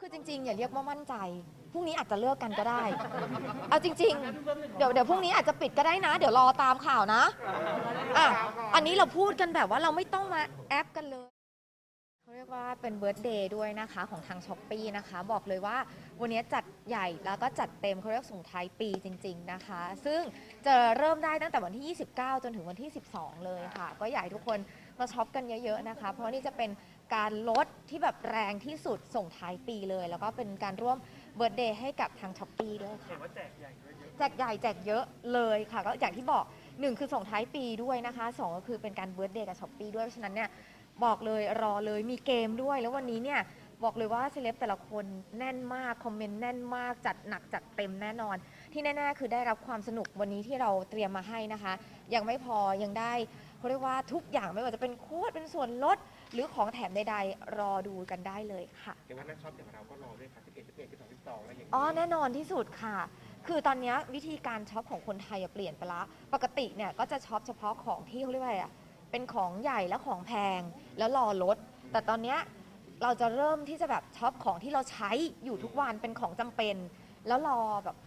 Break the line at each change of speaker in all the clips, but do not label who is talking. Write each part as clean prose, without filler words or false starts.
คือจริงๆอย่าเรียกว่ามั่นใจพรุ่งนี้อาจจะเลิกกันก็ได้เอาจริงๆเดี๋ยวพรุ่งนี้อาจจะปิดก็ได้นะเดี๋ยวรอตามข่าวนะอ่ะอันนี้เราพูดกันแบบว่าเราไม่ต้องมาแอปกันเลยเขาเรียกว่าเป็นเบิร์ธเดย์ด้วยนะคะของทาง Shopee นะคะบอกเลยว่าวันนี้จัดใหญ่แล้วก็จัดเต็มเขาเรียกส่งท้ายปีจริงๆนะคะซึ่งจะเริ่มได้ตั้งแต่วันที่ 29 จนถึงวันที่ 12 เลยค่ะก็อยากให้ทุกคนมาช็อปกันเยอะๆนะคะเพราะนี่จะเป็นการลดที่แบบแรงที่สุดส่งท้ายปีเลยแล้วก็เป็นการร่วมเบิร์ธเดย์ให้กับทาง Shopee ด้วยค่ะแจกใหญ่แจกเยอะเลยค่ะก็อย่างที่บอก1คือส่งท้ายปีด้วยนะคะ2ก็คือเป็นการเบิร์ธเดย์กับ Shopee ด้วยเพราะฉะนั้นเนี่ยบอกเลยรอเลยมีเกมด้วยแล้ววันนี้เนี่ยบอกเลยว่าเซเลบแต่ละคนแน่นมากคอมเมนต์แน่นมากจัดหนักจัดเต็มแน่นอนที่แน่ๆคือได้รับความสนุกวันนี้ที่เราเตรียมมาให้นะคะยังไม่พอยังได้เขาเรียกว่าทุกอย่างไม่ว่าจะเป็นโค้ดเป็นส่วนลดหรือของแถมใดๆรอดูกันได้เลยค่ะ
เดี๋ยววันนั้นช็อปอย่างเราก็รอด้วยค่ะ11 11 12 12อะไรอย่างนี้
อ๋อแน่นอนที่สุดค่ะคือตอนนี้วิธีการช็อปของคนไทยเปลี่ยนไปละปกติเนี่ยก็จะช็อปเฉพาะของที่เขาเรียกว่าอะไรอะเป็นของใหญ่และของแพงแล้วรอลดแต่ตอนนี้เราจะเริ่มที่จะแบบช็อปของที่เราใช้อยู่ทุกวันเป็นของจำเป็นแล้วรอแบบ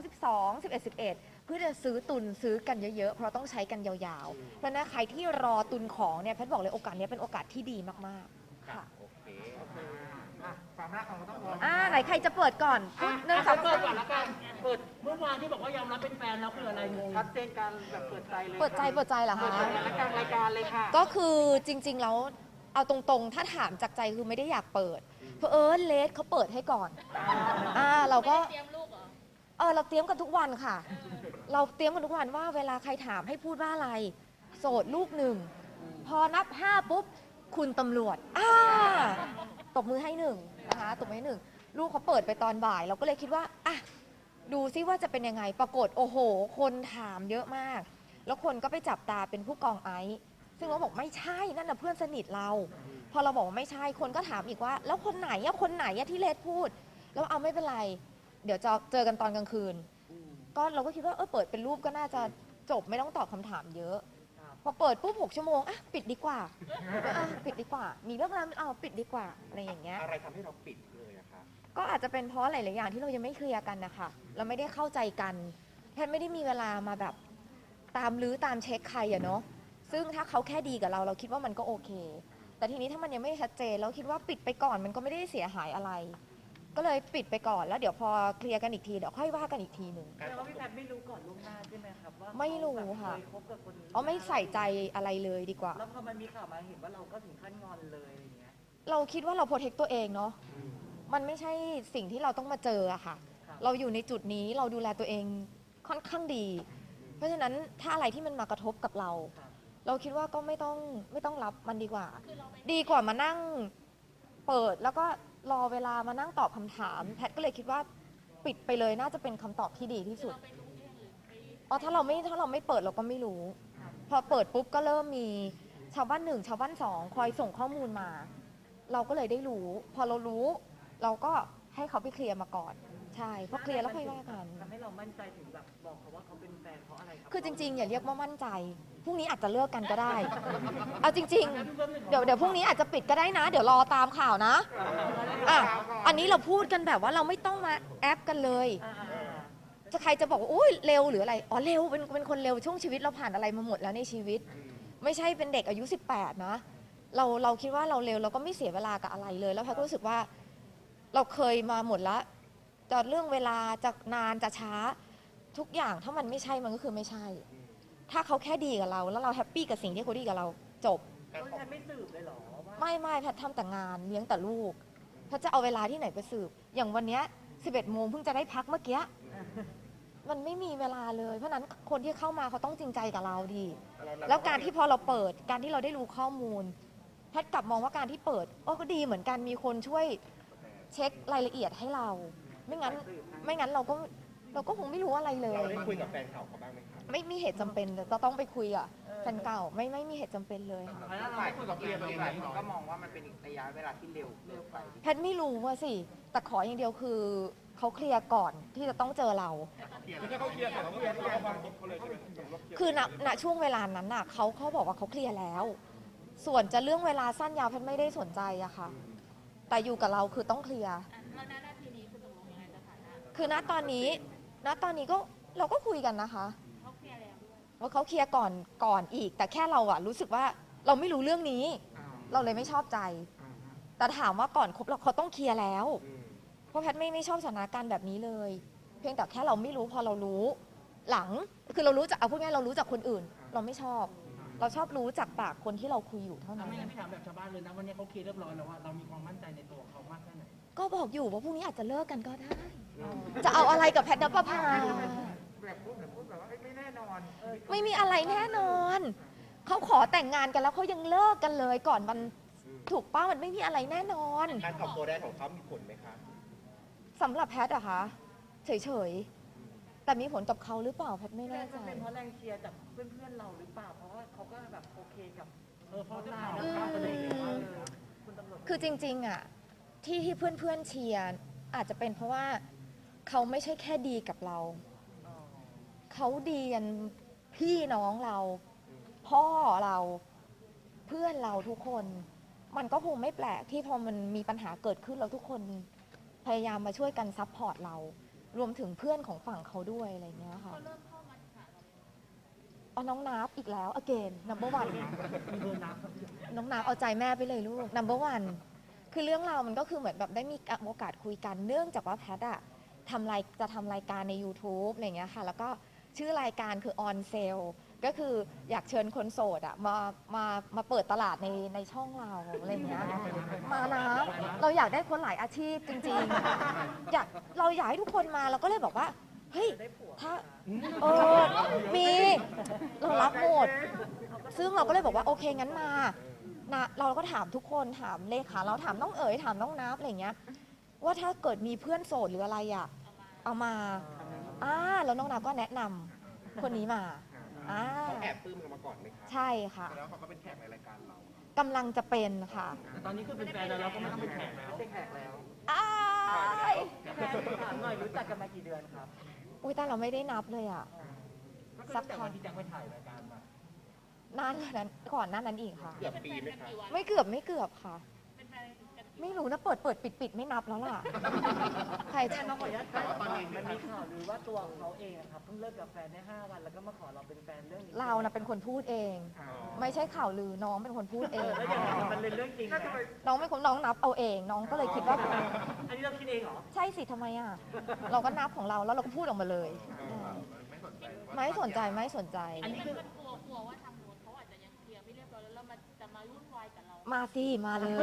12 12 11 11เพื่อจะซื้อตุนซื้อกันเยอะๆเพราะต้องใช้กันยาวๆเพราะนั้นใครที่รอตุนของเนี่ยแพทย์บอกเลยโอกาสนี้เป็นโอกาสที่ดีมากๆค่ะ
โอเค
ความรักของเราต้องรอ
ไหนใครจะเปิดก่อนหนึ่งสอง
เปิดก่อนละกันเปิดเมื่อวานที่บอกว่ายอมรับเป็นแฟนแล้วคืออะไรงงชัดเจนการแบบเปิดใจเลย
เปิดใจเหรอคะ
และกลางรายการเลยค่ะ
ก็คือจริงๆแล้วเอาตรงๆถ้าถามจากใจคือไม่ได้อยากเปิดเพราะเลสเขาเปิดให้ก่อนเราก็เตรียมลูกเหรอเราเตรียมกันทุกวันค่ะเราเตรียมกันทุกวันว่าเวลาใครถามให้พูดว่าอะไรโสดลูกหนึ่งพอนับ5ปุ๊บคุณตำรวจตบมือให้หนึ่งนะคะตบมือให้หนึ่งลูกเขาเปิดไปตอนบ่ายเราก็เลยคิดว่าดูซิว่าจะเป็นยังไงปรากฏโอ้โหคนถามเยอะมากแล้วคนก็ไปจับตาเป็นผู้กองไอซ์ซึ่งเราบอกไม่ใช่นั่นน่ะเพื่อนสนิทเราพอเราบอกว่าไม่ใช่คนก็ถามอีกว่าแล้วคนไหนที่เลดพูดแล้วเอาไม่เป็นไรเดี๋ยวจะเจอกันตอนกลางคืนก็เราก็คิดว่าเปิดเป็นรูปก็น่าจะจบไม่ต้องตอบคำถามเยอะพอเปิดปุ๊บ6 ชั่วโมงปิดดีกว่าปิดดีกว่ามีเรื่องอะไรปิดดีกว่าอะไรอย่างเงี้ย
อะไรทำให้เราปิดเลยอะคะ
ก็อาจจะเป็นเพราะหลายๆอย่างที่เรายังไม่เคลียร์กันนะคะเราไม่ได้เข้าใจกันแพทย์ไม่ได้มีเวลามาแบบตามลื้อตามเช็คใครอะเนาะซึ่งถ้าเขาแค่ดีกับเราคิดว่ามันก็โอเคแต่ทีนี้ถ้ามันยังไม่ชัดเจนเราคิดว่าปิดไปก่อนมันก็ไม่ได้เสียหายอะไรก็เลยปิดไปก่อนแล้วเดี๋ยวพอเคลียร์กันอีกทีเดี๋ยวค่อยว่ากันอีกทีหนึ่ง
แต่ว่าพี่แพทย์ไม่รู้ก่อนล่วงหน้าใช่ไหมครับว่า
ไม่รู้ค่ะ
เคยคบกับคนนี้
ไม่ใส่ใจอะไรเลยดีกว่า
แล้วพอมันมีข่าวมาเห็นว่าเราก็ถึงขั้นงอนเลยอย่างเงี้ย
เราคิดว่าเราโปรเทคตัวเองเนาะมันไม่ใช่สิ่งที่เราต้องมาเจออะค่ะเราอยู่ในจุดนี้เราดูแลตัวเองค่อนข้างดี เพราะฉะนั้นถ้าอะไรที่มันมากระทบกับเราเราคิดว่าก็ไม่ต้องรับมันดีกว่าดีกว่ามานั่งเปิดแล้วก็รอเวลามานั่งตอบคำถามแพทย์ก็เลยคิดว่าปิดไปเลยน่าจะเป็นคำตอบที่ดีที่สุดถ้าเราไม่เปิดเราก็ไม่รู้พอเปิดปุ๊บก็เริ่มมีชาวบ้าน1ชาวบ้าน2คอยส่งข้อมูลมาเราก็เลยได้รู้พอเรารู้เราก็ให้เขาไปเคลียร์มาก่อนใช่พอเคลียร์แล้วค่อยว่ากัน
ทำให้เรามั่นใจถึงแบบบอกเขาว่าเขาเป็นแฟนเพราะอะไรครับ
คือจริงๆอย่าเรียกว่ามั่นใจพรุ่งนี้อาจจะเลิกกันก็ได้เอาจริงๆเดี๋ยวพรุ่งนี้อาจจะปิดก็ได้นะเดี๋ยวรอตามข่าวนะอันนี้เราพูดกันแบบว่าเราไม่ต้องมาแอปกันเลยจะใครจะบอกว่าอุ้ยเร็วหรืออะไรเร็วเป็นคนเร็วช่วงชีวิตเราผ่านอะไรมาหมดแล้วในชีวิตไม่ใช่เป็นเด็กอายุ18นะเราคิดว่าเราเร็วเราก็ไม่เสียเวลากับอะไรเลยแล้วแพทย์ก็รู้สึกว่าเราเคยมาหมดแล้วจะเรื่องเวลาจะนานจะช้าทุกอย่างถ้ามันไม่ใช่มันก็คือไม่ใช่ถ้าเขาแค่ดีกับเราแล้วเราแฮปปี้กับสิ่งที่เขาดีกับเราจบ
แพทย์ไม่สืบเลยหรอ
ไม่แพทย์ทำแต่งานเลี้ยงแต่ลูกแพทย์จะเอาเวลาที่ไหนไปสืบอย่างวันนี้11 โมงเพิ่งจะได้พักเมื่อกี้มันไม่มีเวลาเลยเพราะนั้นคนที่เข้ามาเขาต้องจริงใจกับเราดีแล้วการที่พอเราเปิดการที่เราได้รู้ข้อมูลแพทย์กลับมองว่าการที่เปิดก็ดีเหมือนกันมีคนช่วยเช็ครายละเอียดให้เราไม่งั้นเราก็คงไม่รู้อะไรเลย
เราได้คุยกับแฟนเขาบ้างไหมครับ
ไม่มีเหตุจำเป็นจะต้องไปคุยกับแฟนเก่าไม่มีเหตุจำเป็นเลยค่ะ
แล้วเราคุยกับเพื่อนตัวเองก็มองว่ามันเป็นระยะเวลาที่เร็วไป
แพทย์ไม่รู้ว่าสิแต่ขออย่างเดียวคือเขาเคลียร์ก่อนที่จะต้องเจอเราคือณช่วงเวลานั้นน่ะเขาบอกว่าเขาเคลียร์แล้วส่วนจะเรื่องเวลาสั้นยาวแพทย์ไม่ได้สนใจอะค่ะแต่อยู่กับเราคือต้องเคลียร์
แล้วณนาทีนี้คุณตกลงยังไงสถานะ
คือณตอนนี้ก็เราก็คุยกันนะคะ
เขาเคลียร์แล้วด้วย
ว่าเขาเคลียร์ก่อนอีก แต่แค่เราอะรู้สึกว่าเราไม่รู้เรื่องนี้ เราเลยไม่ชอบใจ แต่ถามว่าก่อนคบเราเขาต้องเคลียร์แล้ว
อืม
เพราะแพทย์ไม่ชอบสถานการณ์แบบนี้เลย เพียงแต่แค่เราไม่รู้พอเรารู้ หลังคือเรารู้จากเอาพูดง่ายๆเรารู้จากคนอื่น เราไม่ชอบ เราชอบรู้จากปากคนที่เราคุยอยู่เท่า
ถ้า
นั้น
ไม่งั้นพี่ถามแบบชาวบ้านเลยนะวันนี้เขาเคลียร์เรียบร้อยแล้วว่าเรามีความมั่นใจในตัวเขามากแค่ไหน
ก็บอกอยู่ว่าพรุ่งนี้อาจจะเลิกกันก็ได้ จะเอาอะไรกับแพทย์นภพา
แบบพูดแบบว่าไม่แน่นอน
ไม่มีอะไรแน่นอน เขาขอแต่งงานกันแล้วเขายังเลิกกันเลยก่อนมันถูกป้ามันไม่มีอะไรแน่นอน
การตอบตัวแรกของเขามีผลไหมคะ
สำหรับแพทย์อะคะเฉยๆ แต่มีผลกับเขาหรือเปล่าแพทย์ไม่แน่ใจ
มันเป็นเพราะแรงเชียร์จากเพื่อนๆเราหรือเปล่า เพราะว่าเขาก็แบบโอเคกับ
เพราะจะถามว่าประเด็นเลยว่า
คุณตำรวจ
คือจริงๆอะที่เพื่อนๆเชียร์อาจจะเป็นเพราะว่าเขาไม่ใช่แค่ดีกับเรา เขาดีกันพี่น้องเรา พ่อเราเพื่อนเราทุกคน มันก็คงไม่แปลกที่พอมันมีปัญหาเกิดขึ้นแล้วทุกคนพยายามมาช่วยกันซัพพอร์ตเรา รวมถึงเพื่อนของฝั่งเขาด้วยอะไรเงี้ยค่ะ
เขาเริ่มเข้ามาหาเรา
เอาน้องนับอีกแล้ว again number one
มีเบอร์นับ
น้องนับเอาใจแม่ไปเลยลูก number one คือเรื่องราวมันก็คือเหมือนแบบได้มีโอกาสคุยกันเนื่องจากว่าแพทอะจะทำรายการใน YouTube อะไรเงี้ยค่ะ แล้วก็ชื่อรายการคือ on sale ก็คืออยากเชิญคนโสดอะมาเปิดตลาดในช่องเราอะไรเงี้ย มานะเราอยากได้คนหลายอาชีพจริงๆเราอยากให้ทุกคนมาเราก็เลยบอกว่า เฮ้ย ถ้ามีเรารับหมด ซึ่งเราก็เลยบอกว่าโอเคงั้นมานะเราก็ถามทุกคนถามเลขาเราถามน้องเอ๋ยถามน้องนับอะไรเงี้ย ว่าถ้าเกิดมีเพื่อนโสดหรืออะไรอ่ะ เอามาแล้วน้องนับก็แนะนำคนนี้มา
เขาแอบปลื้มเรามาก่อนไหมคะ
ใช่ค่ะ
แล้วเขาก็เป็นแขกในรายการเรา
กำลังจะเป็นค่ะ
แต่ตอนนี้คือเป็นแฟนแล้วเราก็ไม่ต้องเป็นแขกแล้ว
ไม่ใช่แขกแล้ว
อ้าย
แฟนถามหน่อยรู้จักกันมากี่เดือนครับ
อุ้ยแต่เราไม่ได้นับเลยอ่ะ
ก็คือตั้งแต่วันที่แจ็คไปถ่ายรายการมาน
านกว่านั้นก่อนหน้านั้นอีกค่ะ
เกือบปีไหมคะ
ไม่เกือบค่ะ
เป็นแฟนกัน
ไม่รู้นะเปิดปิดไม่นับแล้วล่ะ ใครจะ
น้องขออนุญาตถามว่ามันมีข่าวหรือว่าตัวเขาเองอะครับเพิ่งเลิกกับแฟนได้5 วันแล้วก็มาขอเราเป็นแฟนเรื่องนี้
เรานะเป็นคนพูดเอง ไม่ใช่ข่าวลือน้องเป็นคนพูดเอง
แล้วยังไงมันเป็นเรื่องจริงไหม
น้องเป็นคนน้องนับเอาเอง น้องก็เลยคิดว่า
อันนี้เราคิดเองเหรอ
ใช่สิทำไมอ่ะ เราก็นับของเราแล้วเราก็พูดออกมาเลยไม่สนใจ
อันนี้คือ
มันกลัวว่าทางโน้นเขาอาจจะยังเคลียร์ไม่เรียบร้อยแล้วมันจะมาวุ่นวายกับเรา
มาสิมาเลย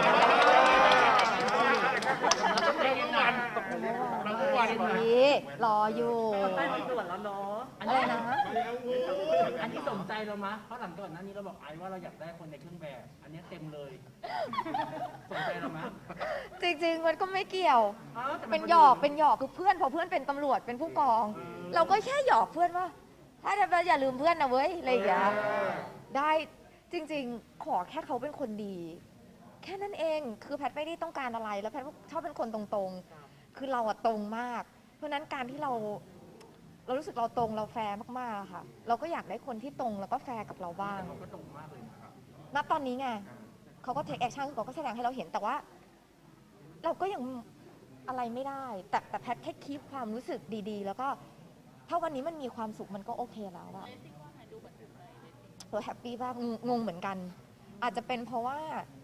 เราทุกวันเลย
ดีรออยู่
ใต้เป็นส่วนแล้วเนาะ
อะไรนะ
อันนี้สนใจเรามะเพราะหลังก่อนหน้านี้เราบอกไอ้ว่าเราอยากได้คนในเครื่องแบบ อันนี้เต็มเลยสนใจเรามะ
จริงๆมันก็ไม่เกี่ยว
อ้าวแต่มั
เป็นหยอกคือเพื่อนพอเพื่อนเป็นตำรวจเป็นผู้กอง เราก็แค่หยอกเพื่อนว่า ถ้าจะอย่าลืมเพื่อนนะเว้ยอะไรอย่างเงี้ยได้จริงๆ ขอแค่เขาเป็นคนดี แค่นั้นเองคือแพทย์ไม่ได้ต้องการอะไรแล้วแพทย์ชอบเป็นคนตรงๆ คือเราอะตรงมาก เพราะฉะนั้นการที่เรารู้สึกเราตรงเราแฟร์มากๆอะค่ะ เราก็อยากได้คนที่ตรงแล้วก็แฟร์กับเราบ้าง
เขาก็ตรงมากเลยนะครับ
ณตอนนี้ไงเขาก็เทคแอคชั่นเขาก็แสดงให้เราเห็นแต่ว่า เราก็ยังอะไรไม่ได้ แต่แพทย์แค่คีปความรู้สึกดีๆ แล้วก็ถ้าวันนี้มันมีความสุขมันก็โอเคแล้วอะ
เลสซิ่งว่าไงดูเหมือนถูกใจเลสซิ่ง
เราแฮปปี้มากงงเหมือนกัน อาจจะเป็นเพราะว่า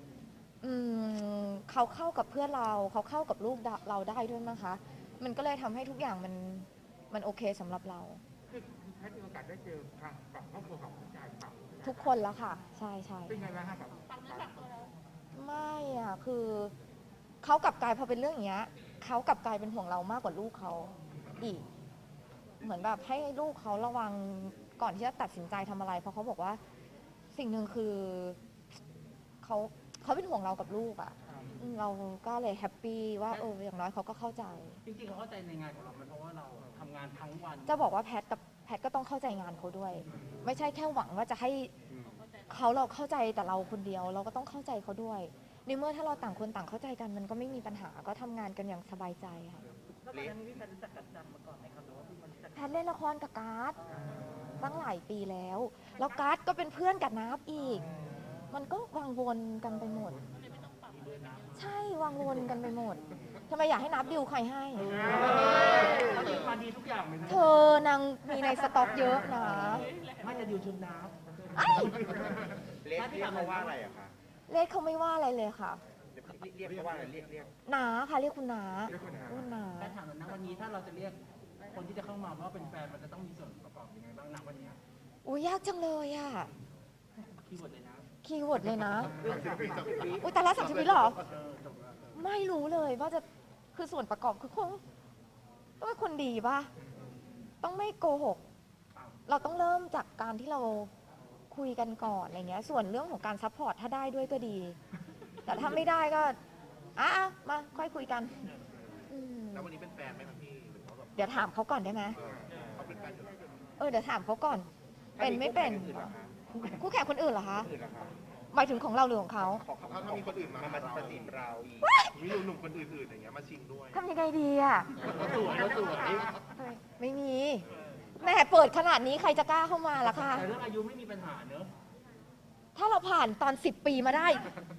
เขาเข้ากับเพื่อนเราเขาเข้ากับลูกเราได้ด้วยมั้งคะมันก็เลยทำให้ทุกอย่างมันโอเคสำหรับเรา
คือแพทย์มีโอกาสได้เจอทางฝั่งครอบครัวของผู้ชายฝั่ง
ทุกคนแล้วค่ะ ใช่ใช่
เป็นไงบ้างครับแบบ
ฟังเนื้อฟังตัวแล้ว
ไม่อ่ะคือเขากลับกลายพอเป็นเรื่องอย่างเงี้ยเขากลับกลายเป็นห่วงเรามากกว่าลูกเขาอีก เหมือนแบบให้ลูกเขาระวังก่อนที่จะตัดสินใจทำอะไร เพราะเขาบอกว่าสิ่งหนึ่งคือเขาเป็นห่วงเรากับลูกอ่ะเราก็เลยแฮปปี้ว่าอย่างน้อยเขาก็เข้าใจ
จริงๆเขาเข้าใจในงานของเราไหมเพราะว่าเราทำงานทั้งวัน
จะบอกว่าแพทก็ต้องเข้าใจงานเขาด้วย ไม่ใช่แค่หวังว่าจะให้เราเข้าใจแต่เราคนเดียว เราก็ต้องเข้าใจเขาด้วยในเมื่อถ้าเราต่างคนต่างเข้าใจกันมันก็ไม่มีปัญหาก็ทำงานกันอย่างสบายใจค่ะ
แล้วตอนนั้นพี่แฟนรู้จักกันจังมาก่อนไหมครับหรือว่าเพิ่งมารู้จัก
แพทเล่นละครกับการ์ดตั้งหลายปีแล้ว แล้วการ์ดก็เป็นเพื่อนกับนับอีก มันก็วังวนกันไปหมด ใช่ววังวนกันไปหมดทำไมอยากให้นับดิวใครให้
เขาดิวมาดีทุกอย่างเลยนะ
เธอนางมีในสต็อกเยอะนะ
ไม่จะดิวชุดน้
ไอ้
เรียกเขาว่าอะไรอะคะ
เลขเขาไม่ว่าอะไรเลยค่ะ
เรียกเขาว่าอะไรเรียก
นาค่ะเรียกคุณนา
เรียกคุณนา
คุณนา
ำแต่ถามหน่อยนะวันนี้ถ้าเราจะเรียกคนที่จะเข้ามาว่าเป็นแฟนมันจะต้องมีส่วนประกอบยังไงบ้างนะวันนี้
อุ้ยยากจังเลยอ่ะ
คีย์เวิร์ดเลยนะ
คีย์เวิร์ดเลยนะ
30 วิ
อุ้ยแต่ละ30 วิเหรอ
จบแล้ว
ไม่รู้เลยว่าจะคือส่วนประกอบคือคงต้องเป็นคนดีป่ะ ต้องไม่โกหก เราต้องเริ่มจากการที่เราคุยกันก่อนอะไรเงี้ย ส่วนเรื่องของการซัพพอร์ตถ้าได้ด้วยก็ดี แต่ถ้าไม่ได้ก็มาค่อยคุยกันอืม
แล้ววันนี้เป็นแฟนไหมครับพี่หรือว่าแบบ
เดี๋ยวถามเขาก่อนได้ไหม
เขาเป็นแฟนอยู่แล้ว
เดี๋ยวถามเขาก่อน เป็นไม่เป็น
อื่นเหรอคะ
คู่แข่งคนอื่นเหรอคะ
อื่นเหรอคะ
หมายถึงของเราหรือของเขา
เขาถ้ามีคนอื่นมาประสิทธิ์เราอีกมีหนุ่มๆคนอื่นๆอย่างเงี้ยมาชิงด้วย
ทำยังไงดีอ่ะ
เราสวยเราสวย
ไม่มีแหม่เปิดขนาดนี้ใครจะกล้าเข้ามาล่ะคะ
แต่เรื่องอายุไม่มีปัญหาเนอะ
ถ้าเราผ่านตอน 10 ปีมาได้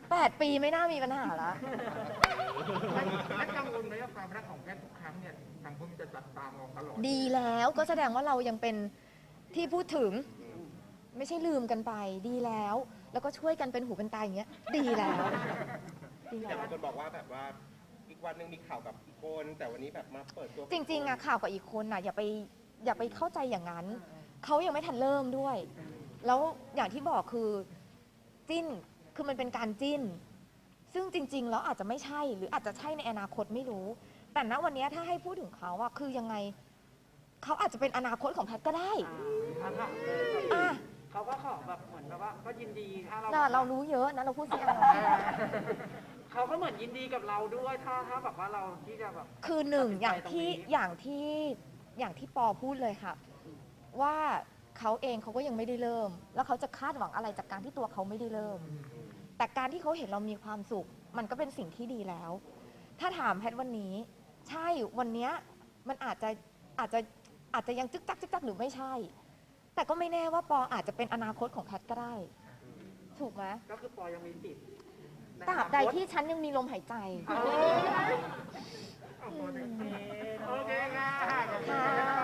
8 ปีไม่น่ามีปัญหาละ
และกังวลไหมว่าความรักของแพทย์ทุกครั้งเนี่ยสังคมจะจับตามองตลอด
ดีแล้วก็แสดงว่าเรายังเป็นที่พูดถึง ไม่ใช่ลืมกันไป ดีแล้ว แล้วก็ช่วยกันเป็นหูเป็นตาอย่างเงี้ย ดีแล้วดี
แต่
แล้ว
บางคนบอกว่าแบบว่าอีกวันหนึ่งมีข่าวกับอีกคน แต่วันนี้แบบมาเปิดตัว
จริงๆอะข่าวกับอีกคนอะอย่าไปเข้าใจอย่างนั้น เขายังไม่ทันเริ่มด้วย แล้วอย่างที่บอกคือจิ้นคือมันเป็นการจิ้น ซึ่งจริงๆแล้วอาจจะไม่ใช่หรืออาจจะใช่ในอนาคตไม่รู้ แต่ณวันนี้ถ้าให้พูดถึงเขาอะคือยังไงเขาอาจจะเป็นอนาคตของแพทย์ก็ได้ อ่ะ
เขาก็ขอแบบเหมือนแบบว่าก็ยินดีถ้าเรา
น่ะเรารู้เยอะนะเราพูดสิ
เขาก็เหมือนยินดีกับเราด้วยถ้าแบบว่าเราที่จะแบบ
คือหนึ่ง
ตัดสินใจ
อย่างที่ปอพูดเลยค่ะ ว่าเขาเองเขาก็ยังไม่ได้เริ่ม แล้วเขาจะคาดหวังอะไรจากการที่ตัวเขาไม่ได้เริ่ม แต่การที่เขาเห็นเรามีความสุข มันก็เป็นสิ่งที่ดีแล้ว ถ้าถามแพทย์วันนี้ ใช่วันเนี้ยมันอาจจะยังจึ๊กจักหรือไม่ใช่ แต่ก็ไม่แน่ว่าปออาจจะเป็นอนาคตของแพทย์ก็ได้ ถูกไหม
ก็คือปอยังมีสิทธิ์
ตราบใดที่ฉันยังมีลมหายใจ
โอเคค่ะ
ค่ะ